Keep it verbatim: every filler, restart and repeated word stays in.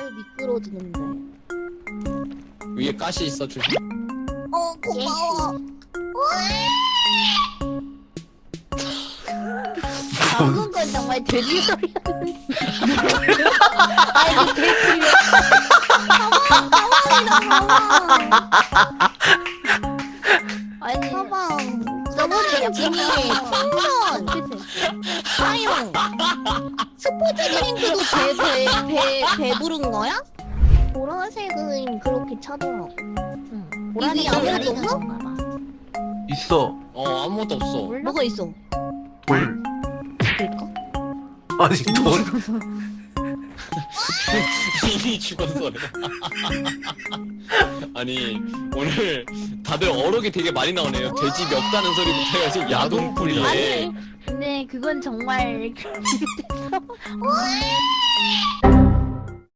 잘 미끄러지는데. 위에 가시 있어 조심. 어 고마워. 방금 건 정말 돼지 소리였는데. 아니 돼지. 가방 가방이다 가방. 아니 가방. 저번에 진이 풍선, 사용, 스포츠 드링크도 배배 배 부른 거야? 보라색은 그렇게 차더라고. 응. 보라색 아무것도 없어? 있어. 어 아무것도 없어. 뭐가 있어? 돌. 그럴까? 아니 돌. 이미 죽었어. 아니 오늘 다들 어록이 되게 많이 나오네요. 돼지 멱다는 소리부터 해가지고 야동풀이에. 아니 근데 그건 정말 그런 일이 됐어.